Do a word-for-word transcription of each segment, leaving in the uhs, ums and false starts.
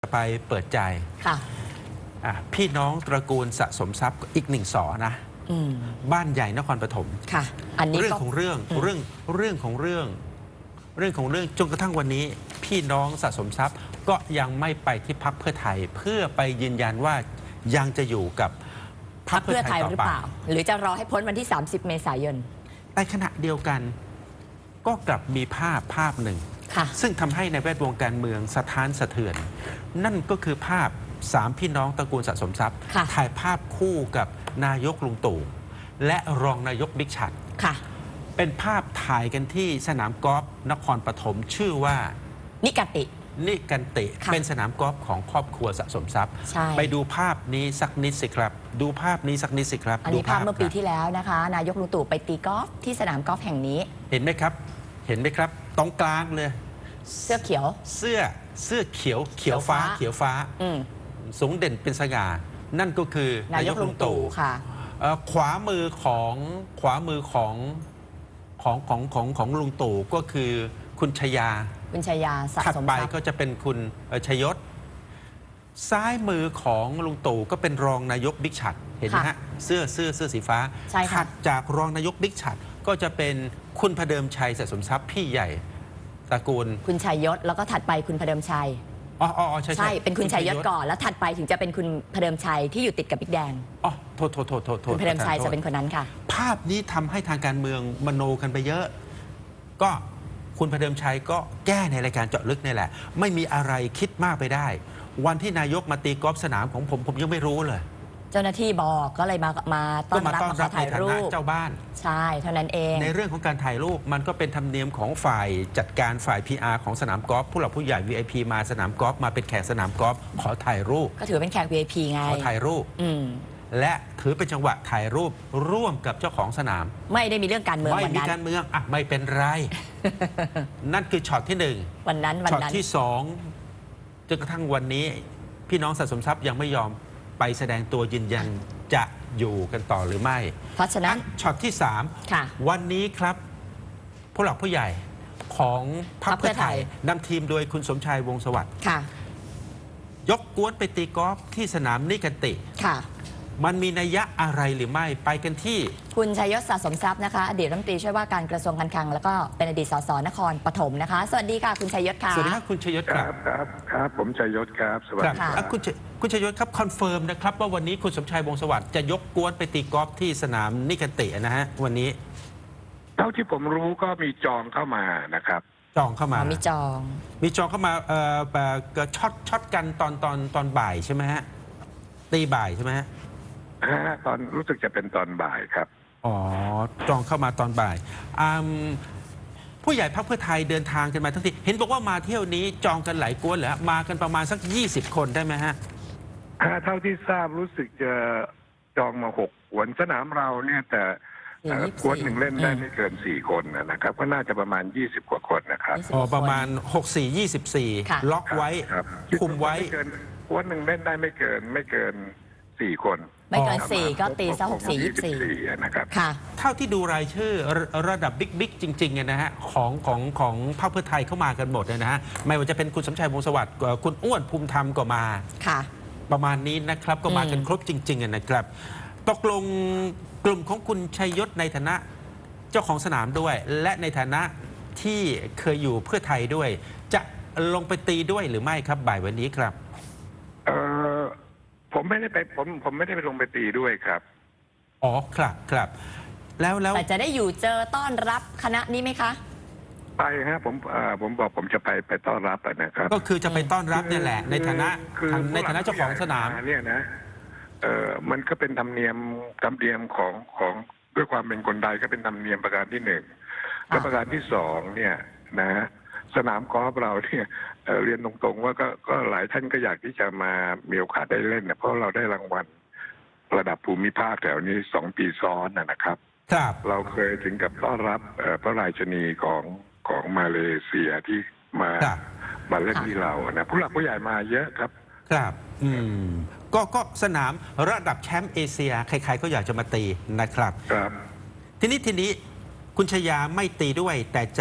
ไปเปิดใจค่ะพี่น้องตระกูลสะสมทรัพย์อีกหนึ่งสอนะบ้านใหญ่นครปฐมค่ะอันนี้เรื่องของเรื่องเรื่องเรื่องของเรื่องเรื่องของเรื่องจนกระทั่งวันนี้พี่น้องสะสมทรัพย์ก็ยังไม่ไปที่พรรคเพื่อไทยเพื่อไปยืนยันว่ายังจะอยู่กับพรรคเพื่อไทยหรือเปล่าหรือจะรอให้พ้นวันที่สามสิบเมษายนในขณะเดียวกันก็กลับมีภาพภาพหนึ่งซึ่งทำให้ในแวดวงการเมืองสะท้านสะเทือนนั่นก็คือภาพสามพี่น้องตระกูลสะสมทรัพย์ถ่ายภาพคู่กับนายกลุงตู่และรองนายกบิ๊กชัดเป็นภาพถ่ายกันที่สนามกอล์ฟนครปฐมชื่อว่านิกันตินิกันติเป็นสนามกอล์ฟของครอบครัวสะสมทรัพย์ไปดูภาพนี้สักนิดสิครับดูภาพนี้สักนิดสิครับอันนี้ภาพเมื่อปีที่แล้วนะคะนายกลุงตู่ไปตีกอล์ฟที่สนามกอล์ฟแห่งนี้เห็นไหมครับเห็นไหมครับตรงกลางเลยเสื้อเขียวเสื้อเสื้อเขียวเขียวฟ้าเขียวฟ้าสูงเด่นเป็นสง่านั่นก็คือนายกลุงตู่ค่ะขวามือของขวามือของของของของของลุงตู่ก็คือคุณชยาคุณชยาสะสมทรัพย์ถัดไปก็จะเป็นคุณชยศซ้ายมือของลุงตู่ก็เป็นรองนายกบิ๊กชัดเห็นไหมฮะเสื้อเสื้อเสื้อสีฟ้าถัดจากรองนายกบิ๊กชัดก็จะเป็นคุณพเดิมชัยสะสมทรัพย์พี่ใหญ่ตระกูลคุณชัยยศแล้วก็ถัดไปคุณพเดิมชัยอ๋ออ๋อใช่ใช่เป็นคุณชัยยศก่อนแล้วถัดไปถึงจะเป็นคุณพเดิมชัยที่อยู่ติดกับบิ๊กแดงอ๋อโทษโทษโทษโทษคุณพเดิมชัยจะเป็นคนนั้นค่ะภาพนี้ทำให้ทางการเมืองมโนกันไปเยอะก็คุณพเดิมชัยก็แก้ในรายการเจาะลึกนี่แหละไม่มีอะไรคิดมากไปได้วันที่นายกมาตีกอล์ฟสนามของผมผมยังไม่รู้เลยเจ้าหน้าที่บอกก็เลยมามาต้อนรับมาถ่ายรูปเจ้าบ้านใช่เท่านั้นเองในเรื่องของการถ่ายรูปมันก็เป็นธรรมเนียมของฝ่ายจัดการฝ่าย พี อาร์ ของสนามกอล์ฟผู้หลักผู้ใหญ่ วี ไอ พี มาสนามกอล์ฟมาเป็นแขกสนามกอล์ฟขอถ่ายรูปก็ถือเป็นแขก วี ไอ พี ไงขอถ่ายรูปและถือเป็นจังหวะถ่ายรูปร่วมกับเจ้าของสนามไม่ได้มีเรื่องการเมืองไม่มีการเมืองอ่ะไม่เป็นไร นั่นคือช็อตที่หนึ่งวันนั้นวันนั้นช็อตที่สองจนกระทั่งวันนี้พี่น้องสะสมทรัพย์ยังไม่ยอมไปแสดงตัวยืนยันจะอยู่กันต่อหรือไม่เพราะฉะนั้นช็อตที่สามวันนี้ครับผู้หลักผู้ใหญ่ของพรรคเพื่อไทยนำทีมโดยคุณสมชายวงศ์สวัสดิ์ยกกวนไปตีกอล์ฟที่สนามนิกันติมันมีนัยยะอะไรหรือไม่ไปกันที่คุณชัยยศสะสมทรัพย์นะคะอดีตรัฐมนตรีช่วยว่าการกระทรวงการคลังแล้วก็เป็นอดีตสสนครปฐมนะคะสวัสดีค่ะคุณชัยยศค่ะสวัสดีครับคุณชัยยศครับครับครับผมชัยยศครับสวัสดีครับคุณคุณชัยยศครับคอนเฟิร์มนะครับว่าวันนี้คุณสมชายวงศ์สวัสดิ์จะยกกวนไปตีกอล์ฟที่สนามนิกันตินะฮะวันนี้เท่าที่ผมรู้ก็มีจองเข้ามานะครับจองเข้ามามีจองมีจองเข้ามาเอ่อแบบช็อตช็อตกันตอนตอนตอนบ่ายใช่ไหมฮะตีบ่ายใช่ไหมฮะตอนรู้สึกจะเป็นตอนบ่ายครับอ๋อจองเข้ามาตอนบ่ายผู้ใหญ่พรรคเพื่อไทยเดินทางกันมาทั้งทีเห็นบอกว่ามาเที่ยวนี้จองกันหลายกวนเหรอมากันประมาณสักยี่สิบคนได้ไหมฮะเท่าที่ทราบรู้สึกจะจองมาหกกวนสนามเราเนี่ยแต่กวนหนึ่งเล่นได้ไม่เกินสี่คนนะครับก็น่าจะประมาณยี่สิบกว่าคนนะครับอ๋อประมาณหกสี่ยี่สิบสี่ล็อกไว้คุมไว้กวนหนึ่งเล่นได้ไม่เกินไม่เกินสี่คนไม่เกินสี่ก็ตีซะหกสี่ยี่สี่นะครับค่ะเท่าที่ดูรายชื่อระดับบิ๊กบิ๊กจริงๆนะฮะของของของพรรคเพื่อไทยเข้ามากันหมดนะฮะไม่ว่าจะเป็นคุณสมชายวงศ์สวัสดิ์คุณอ้วนภูมิธรรมก็มาค่ะประมาณนี้นะครับก็มากันครบจริงๆนะครับตกลงกลุ่มของคุณชัยยศในฐานะเจ้าของสนามด้วยและในฐานะที่เคยอยู่เพื่อไทยด้วยจะลงไปตีด้วยหรือไม่ครับบ่ายวันนี้ครับเออผมไม่ได้ไปผมผมไม่ได้ไปลงไปตีด้วยครับอ๋อครับครับแล้วแล้วแต่จะได้อยู่เจอต้อนรับคณะนี้ไหมคะไปฮะผมผมบอกผมจะไปไปต้อนรับนะครับก็คือจะไปต้อนรับนี่แหละในฐานะในฐานะเจ้าของสนามเนี่ยนะเออมันก็เป็นธรรมเนียมธรรมเนียมของของด้วยความเป็นคนใดก็เป็นธรรมเนียมประการที่หนึ่งและประการที่สองเนี่ยนะสนามกอล์ฟเราเนี่ยเรียนตรงๆว่าก็ก็หลายท่านก็อยากที่จะมามีโอกาสได้เล่นนะเพราะเราได้รางวัลระดับภูมิภาคแถวนี้สองปีซ้อนนะครับครับเราเคยถึงกับต้อนรับพระราชินีของของมาเลเซียที่มามาเล่นที่เรานะผู้หลักผู้ใหญ่มาเยอะครับครับอืมก็ก็สนามระดับแชมป์เอเชียใครๆก็อยากจะมาตีนะครับครับทีนี้ทีนี้คุณชยาไม่ตีด้วยแต่จะ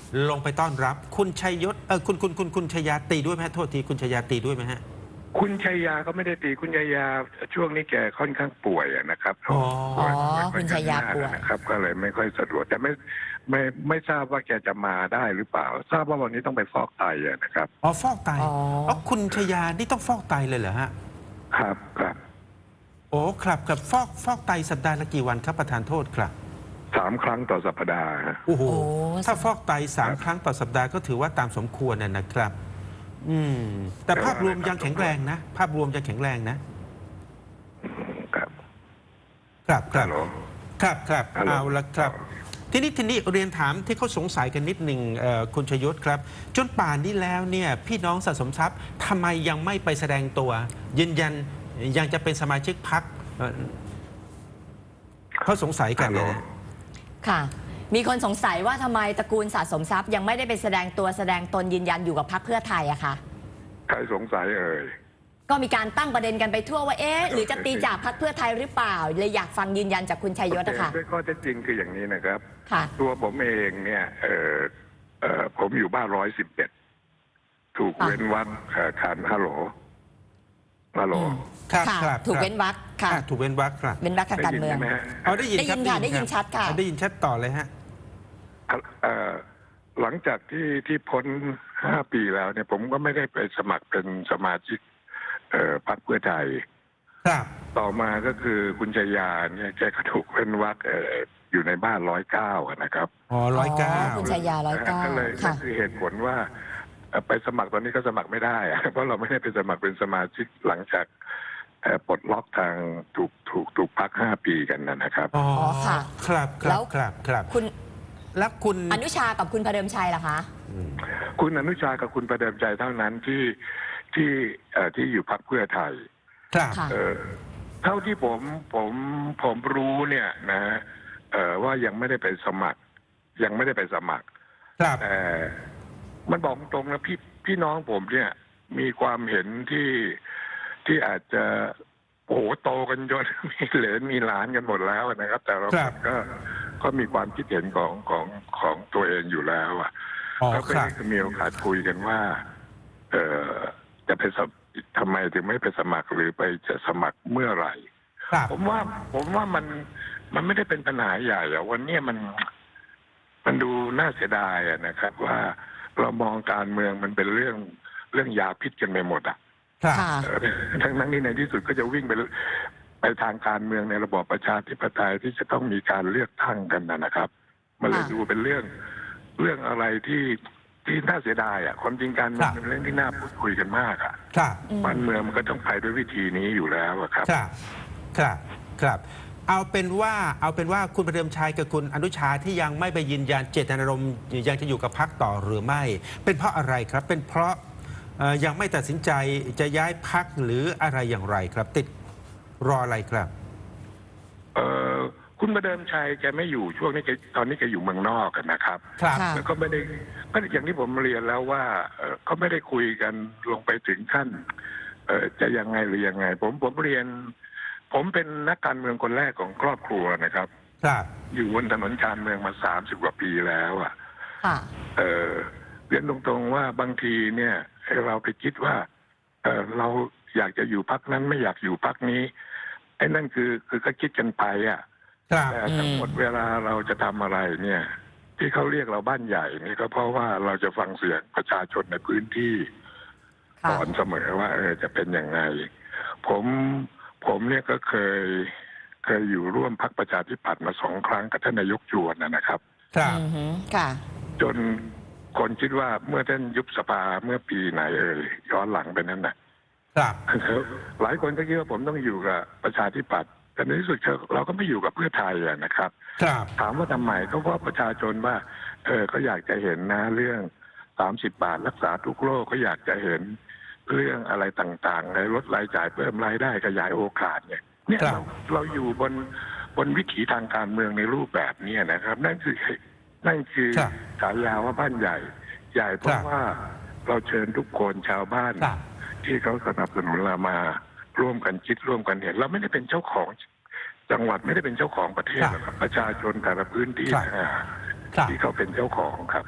ลงไปต้อนรับ คุณชัยยศเออคุณคุณคุณคุณชยาตีด้วยไหมฮะโทษทีคุณชยาตีด้วยไหมฮะคุณชัยยาก็ไม่ได้ตีคุณชัยยาช่วงนี้แกค่อนข้างป่วยอะนะครับอ๋ออ๋อป่วยคุณชัยยาป่วยนะครับ ก็เลยไม่ค่อยสะดวกแต่ไม่ไม่ไม่ทราบว่าแกจะมาได้หรือเปล่า ทราบว่าวันนี้ต้องไปฟอกไตอะนะครับอ๋อฟอกไตอ๋ออ๋อคุณชยานี่ต้องฟอกไตเลยเหรอฮะครับครับโอ้ครับครับฟอกฟอกไตสัปดาห์ละกี่วันครับประธานโทษครับสามครั้งต่อสัปดาห์ฮะโอ้โหโอ้ถ้าฟอกไตสามครั้งต่อสัปดาห์ก็ถือว่าตามสมควรน่ะนะครับ อืม แต่ภาพรวมยังแข็งแรงนะ ภาพรวมยังแข็งแรงนะครับครับครัฮับลโหลครับครับฮัลโหลเอาละครับ ทีนี้ทีนี้เรียนถามที่เขาสงสัยกันนิดหนึ่งเอ่อคุณชยศครับ จนป่านนี้แล้วเนี่ยพี่น้องสะสมทรัพย์ทำไมยังไม่ไปแสดงตัว ยืนยันยังจะเป็นสมาชิกพรรคเอ่อเขาสงสัยกันฮัลโหลนะค่ะ มีคนสงสัยว่าทำไมตระกูลสะสมทรัพย์ยังไม่ได้ไปแสดงตัวแสดงตนยืนยันอยู่กับพรรคเพื่อไทยอะค่ะใครสงสัยเอ่ยก็มีการตั้งประเด็นกันไปทั่วว่าเอ๊ะหรือจะตีจากพรรคเพื่อไทยหรือเปล่าเลยอยากฟังยืนยันจากคุณชัยยศอะค่ะด้วยข้อเท็จจริงคืออย่างนี้นะครับค่ะตัวผมเองเนี่ยเออเออผมอยู่บ้านร้อยสิบเอ็ดถูกค่ะเว้นวรรคเอ่อคันฮัลโหลฮัลโหลอืมครับค่ะครับถูกครับเว้นวรรคค่ะอ่ะถูกเว้นวรรคครับเว้นวรรคทางการเมืองได้ยินใช่ไหมฮะเอาได้ยินได้คยิรับนค่ะได้ยินชัดค่ะได้ยินชัดต่อเลยฮะเอ่อหลังจากที่ที่พ้นห้าปีแล้วเนี่ย ผมก็ไม่ได้ไปสมัครเป็นสมาชิก เอ่อพรรคเพื่อไทยครับต่อมาก็คือคุณชยาเนี่ยแกก็ถูกเว้นวรรคเอ่ออยู่ในบ้านร้อยเก้านะครับอ๋อร้อยเก้าอ๋อคุณชัยยาร้อยเก้าก็เลยค่ะนั่นคือเหตุผลว่าเอ่อไปสมัครตอนนี้ก็สมัครไม่ได้อะ เพราะเราไม่ได้ไปสมัครเป็นสมาชิกหลังจากเอ่อปลดล็อกทางถูกถูกถูกพักห้าปีกันนะครับอ๋อค่ะครับคแล้รับวครับครับคุณแล้วคุณอนุชากับคุณพเดิมชัยล่ะคะอืมคุณอนุชากับคุณประเดิมใจเท่านั้นที่ที่เอ่อที่อยู่พักเพื่อไทยครับค่ะเอ่อเท่าที่ผมผมผมรู้เนี่ยนะเอ่อว่ายังไม่ได้ไปสมัคร ยังไม่ได้ไปสมัครครับแต่มันบอกตรงนะพี่พี่น้องผมเนี่ย มีความเห็นที่ที่อาจจะโอ้โหโตกันจน มีเหลนมีหลานกันหมดแล้วนะครับ แต่เราก็ก็มีความคิดเห็นของของของตัวเองอยู่แล้วอ่ะอ๋อก็คไม่รับได้มีโอกาสคุยกันว่า เออจะไปสมทำไมถึงไม่ไปสมัครหรือไปจะสมัครเมื่อไหร่ครับผมว่าผมว่ามันมันไม่ได้เป็นปัญหาใหญ่อะวันนี้มันมันดูน่าเสียดายอะนะครับ ว่าเรามองการเมืองมันเป็นเรื่องเรื่องยาพิษกันไปหมดอะครับค่ะเออทั้งนั้นนี่ในที่สุดก็จะวิ่งไปไปทางการเมืองในระบอบประชาธิปไตยที่จะต้องมีการเลือกตั้งกันนะครับ มันเลยค่ะดูเป็นเรื่องเรื่องอะไรที่ที่น่าเสียดายอ่ะความจริงการเมืองครับเป็นเรื่องที่น่าพูดคุยกันมากอ่ะครับบ้านเมืองมันก็ต้องไปด้วยวิธีนี้อยู่แล้วอะครับครับ ครับ ครับ เอาเป็นว่า เอาเป็นว่าคุณประเดิมชัยกับคุณอนุชาที่ยังไม่ไปยืนยันเจตนารมณ์ยังจะอยู่กับพรรคต่อหรือไม่ เป็นเพราะอะไรครับ เป็นเพราะเอ่อยังไม่ตัดสินใจจะย้ายพรรคหรืออะไรอย่างไรครับ ติดรออะไรครับเออคุณประเดิมชัยแกไม่อยู่ช่วงนี้แกตอนนี้แกอยู่เมืองนอกกันนะครับครับค่ะแล้วก็ไม่ได้ก็อย่างที่ผมเรียนแล้วว่าเอ่อก็ไม่ได้คุยกันลงไปถึงขั้นเอ่อจะยังไงหรือยังไง ผมผมเรียน ผมเป็นนักการเมืองคนแรกของครอบครัวนะครับครับอยู่บนถนนการเมืองมาสามสิบกว่าปีแล้วอ่ะค่ะเออเรียนตรงๆว่าบางทีเนี่ยเราไปคิดว่า เออเราอยากจะอยู่พักนั้นไม่อยากอยู่พักนี้ไอ้นั่นคือคือก็คิดกันไปอ่ะครับแต่ทั้งหมดเวลาเราจะทำอะไรเนี่ย ที่เขาเรียกเราบ้านใหญ่นี่ก็เพราะว่าเราจะฟังเสียงประชาชนในพื้นที่ค่ะก่อนเสมอว่า เออจะเป็นยังไง ผมผมเนี่ยก็เคยเคยอยู่ร่วมพรรคประชาธิปัตย์มาสองครั้งกับท่านนายกจวนนะนะครับครับอือหือค่ะจนคนคิดว่าเมื่อท่านยุบสภาเมื่อปีไหนเอ่ยย้อนหลังไปนั้นน่ะครับหลายคนก็คิดว่าผมต้องอยู่กับประชาธิปัตย์แต่ในที่สุดเราก็ไม่อยู่กับเพื่อไทยอะนะครับครับถามว่าทำไมก็เพราะประชาชนว่า เออเขาอยากจะเห็นนะเรื่องสามสิบบาทรักษาทุกโรคเขาอยากจะเห็นเรื่องอะไรต่างๆในลดรายจ่ายเพิ่มรายได้ขยายโอกาสเนี่ยเนี่ยครับเราเราอยู่บนบนวิถีทางการเมืองในรูปแบบนี้นะครับ นั่นคือนั่นคือครับฉายาว่าบ้านใหญ่ ใหญ่เพครัราะบว่าเราเชิญทุกคนชาวบ้านครับที่เขาสนับสนุนเรามาร่วมกันคิดร่วมกันเห็นเราไม่ได้เป็นเจ้าของจังหวัดไม่ได้เป็นเจ้าของประเทศครับหรอกครับประชาชนแต่ละพื้นที่ครับนะฮะครับที่เขาเป็นเจ้าของครับ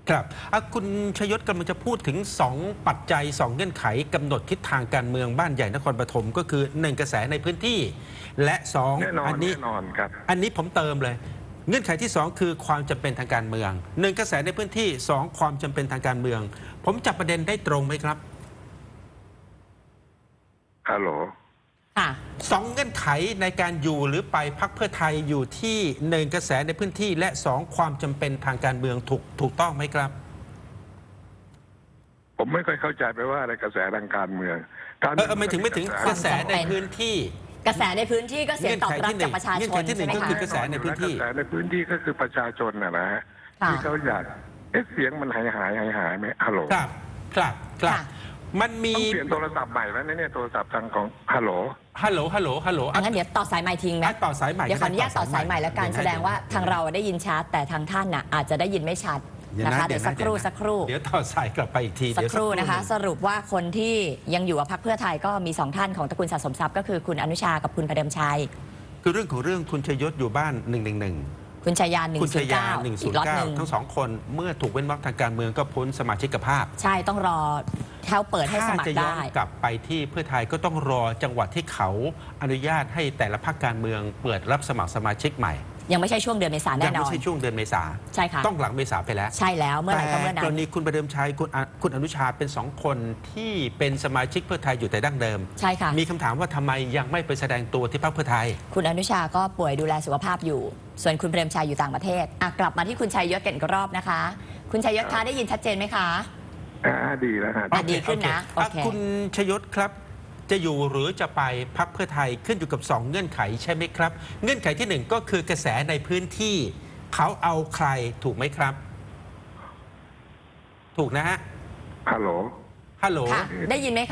ครับอ่ะคุณชยศกำลังจะพูดถึงสองปัจจัยสองเงื่อนไขกำหนดทิศทางการเมืองบ้านใหญ่นครปฐมก็คือหนึ่งกระแสในพื้นที่ และสองแน่นอนอันี้แน่นอนครับอันนี้ผมเติมเลย เงื่อนไขที่สองคือความจำเป็นทางการเมืองหนึ่งกระแสในพื้นที่สองความจำเป็นทางการเมือง ผมจับประเด็นได้ตรงไหมครับฮัลโหลค่ะสองเงื่อนไขในการอยู่หรือไปพรรคเพื่อไทยอยู่ที่หนึ่งกระแสในพื้นที่ และสองความจำเป็นทางการเมืองถูกถูกต้องไหมครับผมไม่ค่อยเข้าใจไปว่าอะไรกระแสทางการเมืองการเออเออไม่ถึงไม่ถึงกระแสในพื้นที่กระแสในพื้นที่ก็เสียงตอบรับจากประชาชเงื่นอนไขที่หนึ่ใช่งไหมก็คะคือกระแสในพื้นที่กระแสในพื้นที่ก็คือประชาชนนะนะฮะค่ะที่เขาอยากเอ๊ะเสียงมันหายหายหายหายไหมฮัลโหลครับครับครับค่ะมันมีต้องเปลี่ยนโทรศัพท์ใหม่แล้วนะเนี่ยโทรศัพท์ทางของฮัลโหลฮัลโหลฮัลโหลฮัลโหลอังั้นเดี๋ยวต่อสายใหม่ทิ้งไหมอ่ะต่อสายใหม่เดี๋ยวขออนุญาตต่อสายใหม่แล้วกันเยวะแสดงว่าทางเราได้ยินชัดแต่ทางท่านน่ะอาจจะได้ยินไม่ชัดเดี๋ยวนะคะนะเดี๋ยวสักครู่สักครู่เดี๋ยวต่อสายกลับไปอีกทีสักเดี๋ยวครู่นะคะหงสรุปว่าคนที่ยังอยู่กับพรรคเพื่อไทยก็มีสองท่านของตระกูลสะสมทรัพย์ก็คือคุณอนุชากับคุณพเดิมชัยคือเรื่องของเรื่องคุณชยศอยู่บ้านหนึ่งหนึ่งหนึ่งคุณชายาหนึ่งคุณชศูนย์ยาเก้าหนึ่งศูอีนกล็อย์ตเก้าหนึ่งทั้งสองคนเมื่อถูกเว้นวรรคทางการเมืองก็พ้นสมาชิกภาพใช่ต้องรอเขาเปิดให้สถ้ามัคจะรย้อได้นกลับไปที่เพื่อไทยก็ต้องรอจังหวัดที่เขาอนุญาตให้แต่ละพรรคการเมืองเปิดรับสมัครสมาชิกใหม่ยังไม่ใช่ช่วงเดือนเมษายนยัแน่นไม่อนใช่ช่วงเดือนเมษาใช่ค่ะต้องหลังเมษาไปแล้วใช่แล้วเมื่อไหร่ก็แต่เมื่อนั้กรนณีคุณประเดิมชัยคุณอคุณอนุชาเป็นสองคนที่เป็นสมาชิกเพื่อไทยอยู่แต่ดั้งเดิมใช่ค่ะมีคำถามว่าทำไมยังไม่ไปแสดงตัวที่พรรคเพื่อไทยคุณอนุชาก็ป่วยดูแลสุขภาพอยู่ ส่วนคุณเปรมชัยอยู่ต่างประเทศอ่ะกลับมาที่คุณชัยยศกันอีกรอบนะคะ คุณชัยยศคะได้ยินชัดเจนไหมคะอ่าดีแล้วฮะอ่ะดีขึ้นนะโอเคโอเคอ่ะคุณชยศครับ จะอยู่หรือจะไปพรรคเพื่อไทยขึ้นอยู่กับสองเงื่อนไขใช่ไหมครับ เงื่อนไขที่หนึ่งก็คือกระแสในพื้นที่ เขาเอาใครถูกไหมครับ ถูกนะฮะฮัลโหลฮัลโหลค่ะ ได้ยินไหมคะ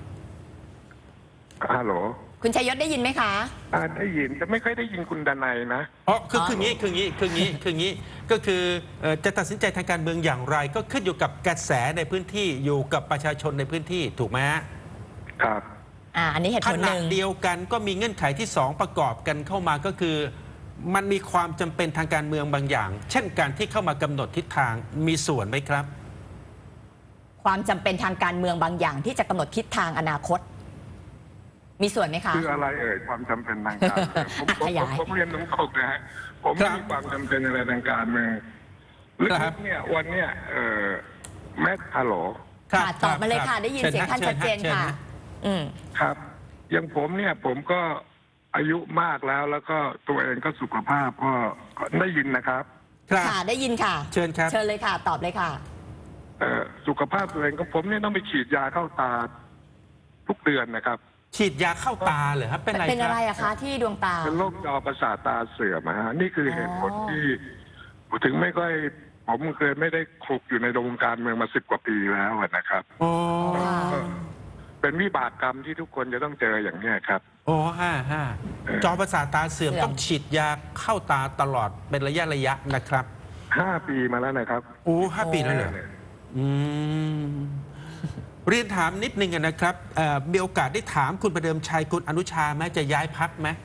ฮัลโหลคุณชัยยศได้ยินไหมคะอ่าได้ยินแต่ไม่ค่อยได้ยินคุณดนัยนะอ๋อคืออ๋อคืองี้คืองี้คืองี้คืองี้ก็คือเอ่อจะตัดสินใจทางการเมืองอย่างไร ก็ขึ้นอยู่กับกระแสในพื้นที่อยู่กับประชาชนในพื้นที่ถูกไหมฮะครับอ่าอันนี้เหตุขผลหณะนึ่งเดียวกันก็มีเงื่อนไขที่สองประกอบกันเข้ามาก็คือ มันมีความจำเป็นทางการเมืองบางอย่าง เช่นการที่เข้ามากำหนดทิศทางมีส่วนไหมครับความจำเป็นทางการเมืองบางอย่าง ที่จะกำหนดทิศทางอนาคต มีส่วนไหมคะคืออะไรเอ่ยความจำเป็นทางการเมืองผมอ่ะผมขยายผมเรียนตรงๆนะฮะผมครัไม่บมีความจำเป็นอะไรทางการเมืองลึครับกๆเนี่ยวันเนี้ยเออแม่ฮัลโหลค่ะตอบมาเลยค่ะรับได้ยินเสียงท่านชัดเจนชิญค่ะฮอืมครับอย่างผมเนี่ยผมก็อายุมากแล้วแล้วก็ตัวเองก็สุขภาพก็ก็ได้ยินนะครับครับค่ะได้ยินค่ะเชิญครับเชิญเลยค่ะ ตอบเลยค่ะเอ่อสุขภาพตัวเองก็ผมเนี่ยต้องไปฉีดยาเข้าตาทุกเดือนนะครับฉีดยาเข้าตาเหรอครับเป็นอะไรเป็นคอะไรรับอะคะที่ดวงตาเป็นโรคจอประสาทตาเสื่อมอะฮะนี่คือเหตุผลอ๋อที่ถึงไม่ค่อย ผมเคยไม่ได้คลุกอยู่ในวงการเมืองมาสิบกว่าปีแล้วอะนะครับโอ้ค่ะเป็นวิบากกรรมที่ทุกคนจะต้องเจออย่างเนี้ยครับโอ้ห้าห้าจอประสาทตาเสื่อมเสื่อมต้องฉีดยาเข้าตาตลอดเป็นระยะระยะนะครับห้าปีมาแล้วนะครับโอ้ห้าปีแล้วเหรออืมเรียนถามนิดนึงอะนะครับเอ่อมีโอกาสได้ถามคุณประเดิมชัยคุณอนุชาไหมจะย้ายพักไหม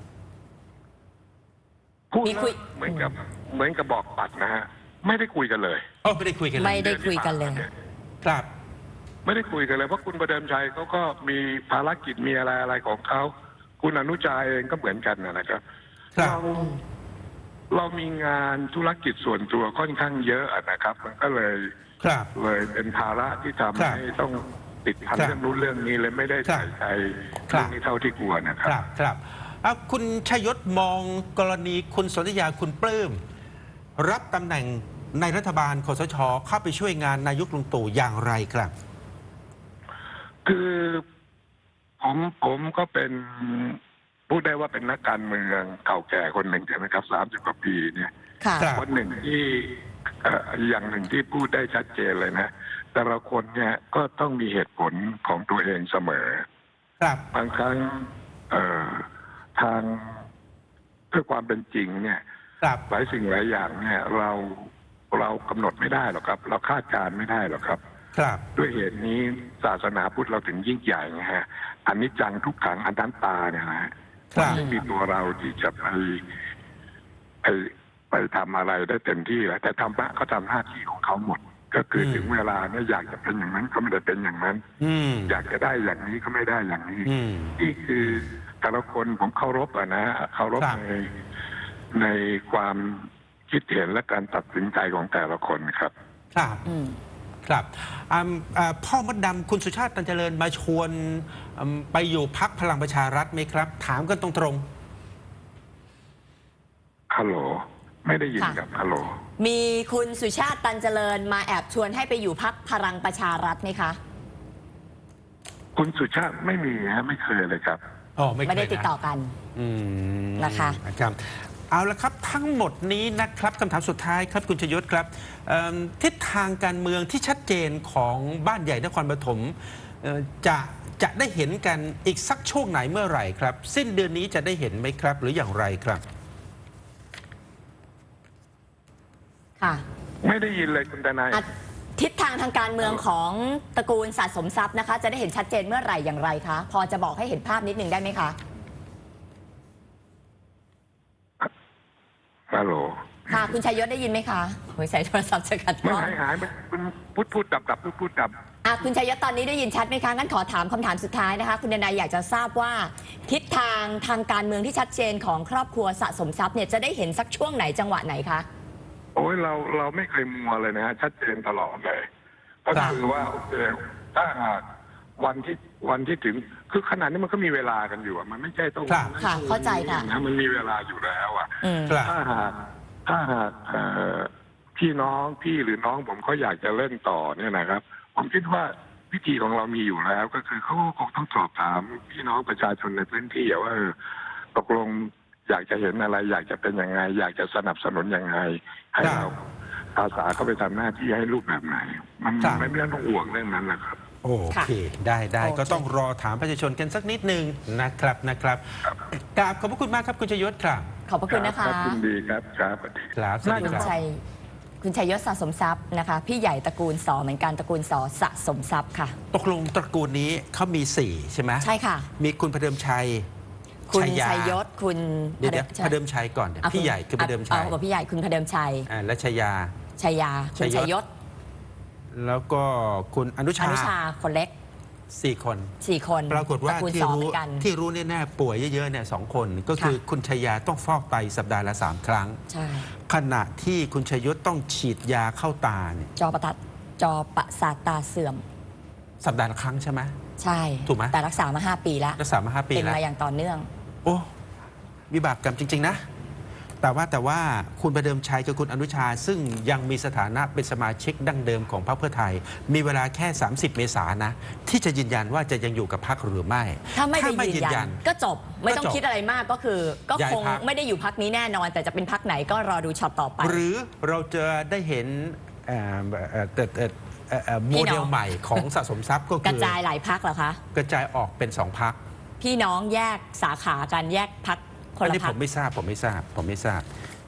พูดมีแล้วคุยเหมือนกับเหมือนกับบอกปัดนะฮะ ไม่ได้คุยกันเลยโอ้ไม่ได้คุยกันเลยไม่ได้คุยกันเลยครับไม่ได้คุยกันเลยเพราะคุณประเดิมชัยเขาก็มีภารกิจมีอะไรอะไรของเขาคุณอนุชาเองก็เหมือนกันนะครับครับเราเรามีงานธุรกิจส่วนตัวค่อนข้างเยอะนะครับ มันก็เลยครับเลยเป็นภาระที่ทำครับให้ต้องติดพันครับเรื่องนู้นเรื่องนี้เลยไม่ได้ครับใส่ใจครัเรื่อบ งนี้เท่าที่ควรนะคครับ รับครับอ่ะคุณชยศมองกรณีคุณสนธยาคุณปลื้มรับตำแหน่งในรัฐบาลคสชเข้าไปช่วยงานนายกลุงตู่อย่างไรครับคือผมผมก็เป็นพูดได้ว่าเป็นนักการเมืองเก่าแก่คนหนึ่งใช่ไหมครับสามสิบกว่าปีเนี่ยค่ะครับคนหนึ่งที่เอ่ออย่างหนึ่งที่พูดได้ชัดเจนเลยนะ แต่ละคนเนี่ยก็ต้องมีเหตุผลของตัวเองเสมอครับบางครั้งเอ่อทางเพื่อความเป็นจริงเนี่ยครับหลายสิ่งหลายอย่างเนี่ยเราเรากำหนดไม่ได้หรอกครับ เราคาดการณ์ไม่ได้หรอกครับครับด้วยเหตุนี้ศาสนาพุทธเราถึงยิ่งใหญ่นะฮะอันนี้จังทุกขังอนัตตาเนี่ยนะฮะครับไม่มีตัวเราที่จะไปไปไปทำอะไรได้เต็มที่แล้วแต่ธรรมะเขาทำหน้าที่ของเขาหมด ก็คือถึงเวลาเนี่ยอยากจะเป็นอย่างนั้นก็ไม่ได้เป็นอย่างนั้นอืมอยากจะได้อย่างนี้ก็ไม่ได้อย่างนี้อืมนี่คือแต่ละคนผมเคารพอะนะเคารพครับในในความคิดเห็นและการตัดสินใจของแต่ละคนครับครับอืมครับอ่าอ่าพ่อมดดำคุณสุชาติตันเจริญมาชวนอืมไปอยู่พักพลังประชารัฐไหมครับ ถามกันตรงฮัลโหลไม่ได้ยินค่ะกับฮัลโหลมีคุณสุชาติตันเจริญมาแอบชวนให้ไปอยู่พักพลังประชารัฐไหมคะคุณสุชาติไม่มีฮะไม่เคยเลยครับๆอ๋อไม่เคยไม่ได้ติดต่อนะกันอืมนะคะครับเอาละครับทั้งหมดนี้นะครับคำถามสุดท้ายครับคุณชยศครับเอิ่มทิศทางการเมืองที่ชัดเจนของบ้านใหญ่นครปฐมเอ่อจะจะได้เห็นกันอีกสักช่วงไหนเมื่อไหร่ครับ สิ้นเดือนนี้จะได้เห็นไหมครับ หรืออย่างไรครับค่ะไม่ได้ยินเลยคุณทนายอ่ะทิศทางทางการเมืองของตระกูลสะสมทรัพย์นะคะ จะได้เห็นชัดเจนเมื่อไหร่อย่างไรคะ พอจะบอกให้เห็นภาพนิดนึงได้ไหมคะฮัลโหลค่ะ คุณชัยยศได้ยินไหมคะโอ้ยใส่โทรศัพท์จะกัดไม่ร้อนหายหายไปคุณพูดพูดดับดับพูดพูดดับอ่ะคุณชัยยศตอนนี้ได้ยินชัดไหมคะงั้นขอถามคำถามสุดท้ายนะคะ คุณดนายอยากจะทราบว่า ทิศทางทางการเมืองที่ชัดเจนของครอบครัวสะสมทรัพย์เนี่ยจะได้เห็นสักช่วงไหนจังหวะไหนคะโอ้ยเราเราไม่เคยมัวเลยนะฮะชัดเจนตลอดเลยก็คือว่าโอเคถ้าหากวันที่วันที่ถึงคือขนาดนี้มันก็มีเวลากันอยู่อะมันไม่ใช่ต้องครับค่ะเข้าใจค่ะนะมันมีเวลาอยู่แล้วอ่ะอืมครับถ้าหากถ้าหากเอ่อพี่น้องพี่หรือน้องผมเขาอยากจะเล่นต่อเนี่ยนะครับ ผมคิดว่าวิธีของเรามีอยู่แล้ว ก็คือเขาคงต้องสอบถามพี่น้องประชาชนในพื้นที่อะว่าเออตกลงอยากจะเห็นอะไร อยากจะเป็นยังไง อยากจะสนับสนุนยังไง ให้ครับเราอาสาเข้าไปทำหน้าที่ให้รูปแบบไหน มันครับไม่ไม่ต้องห่วงเรื่องนั้นนะครับโอเค ได้ได้โอเคก็ต้องรอถามประชาชนกันสักนิดหนึ่งนะครับนะครับกราบขอบพระคุณมากครับคุณชยศครับขอบพระคุณนะคะรับยินดีครับครับสวัสดีครับสวัสดีคุณครับชัยคุณชัยยศสะสมทรัพย์นะคะ พี่ใหญ่ตระกูลสอเหมือนกันตระกูลสอสะสมทรัพย์ค่ะตกลงตระกูลนี้เขามีสี่ใช่ไหมใช่ค่ะมีคุณพเดิมชัยคุณชัยยาชัยยศคุณเดี๋ยวเดี๋ยวชัพเดิมชัยก่อนเดี๋ยวอ่ะพี่ใหญ่คือพเดิมชัยเอากับพี่ใหญ่คุณพเดิมชัยอ่าและชัยยาชัยยาคุณชัชัยยยยศศแล้วก็คุณอนุอชานุชาคนเล็กสี่คนสี่คนปรากฏว่าตระกูลที่สอเหรู้มือนกันที่รู้แน่ๆป่วยเยอะๆเนี่ยสองคนก็คือค่ะคุณชัยยาต้องฟอกไตสัปดาห์ละสามครั้งใช่ขณะที่คุณชัยยศต้องฉีดยาเข้าตาเนี่ยจอประทัดจอประสาทตาเสื่อมสัปดาห์ละครั้งใช่ไหมใช่ถูกไหมแต่รักษามาห้าปีแล้วรักษามาห้าปีเป็นแล้วมาอย่างต่อเนื่องโอ้วิบากกรรมจริง ๆ นะ แต่ว่าแต่ว่าคุณประเดิมชัยกับคุณอนุชา ซึ่งยังมีสถานะเป็นสมาชิกดั้งเดิมของพรรคเพื่อไทย มีเวลาแค่ สามสิบ เมษายนนะ ที่จะยืนยันว่าจะยังอยู่กับพรรคหรือไม่ถ้าไม่ไปยืนยันก็จบไม่ต้องก็จบคิดอะไรมากก็คือ ก็ย้ายคงพรรคไม่ได้อยู่พักนี้แน่นอน แต่จะเป็นพักไหนก็รอดูช็อตต่อไปหรือเราจะได้เห็นเอ่อเอ่อเอ่อเอ่อเอ่อเอ่อโมพี่เดน้ลองใหม่ของสะสมทรัพย์ก็กคืระอจายหลายพักเหรอคะกระจายออกเป็นสองพักพี่น้องแยกสาขากันแยกพักคนอันละนี้พัผกมไม่ทราบผมไม่ทราบผมไม่ทราบ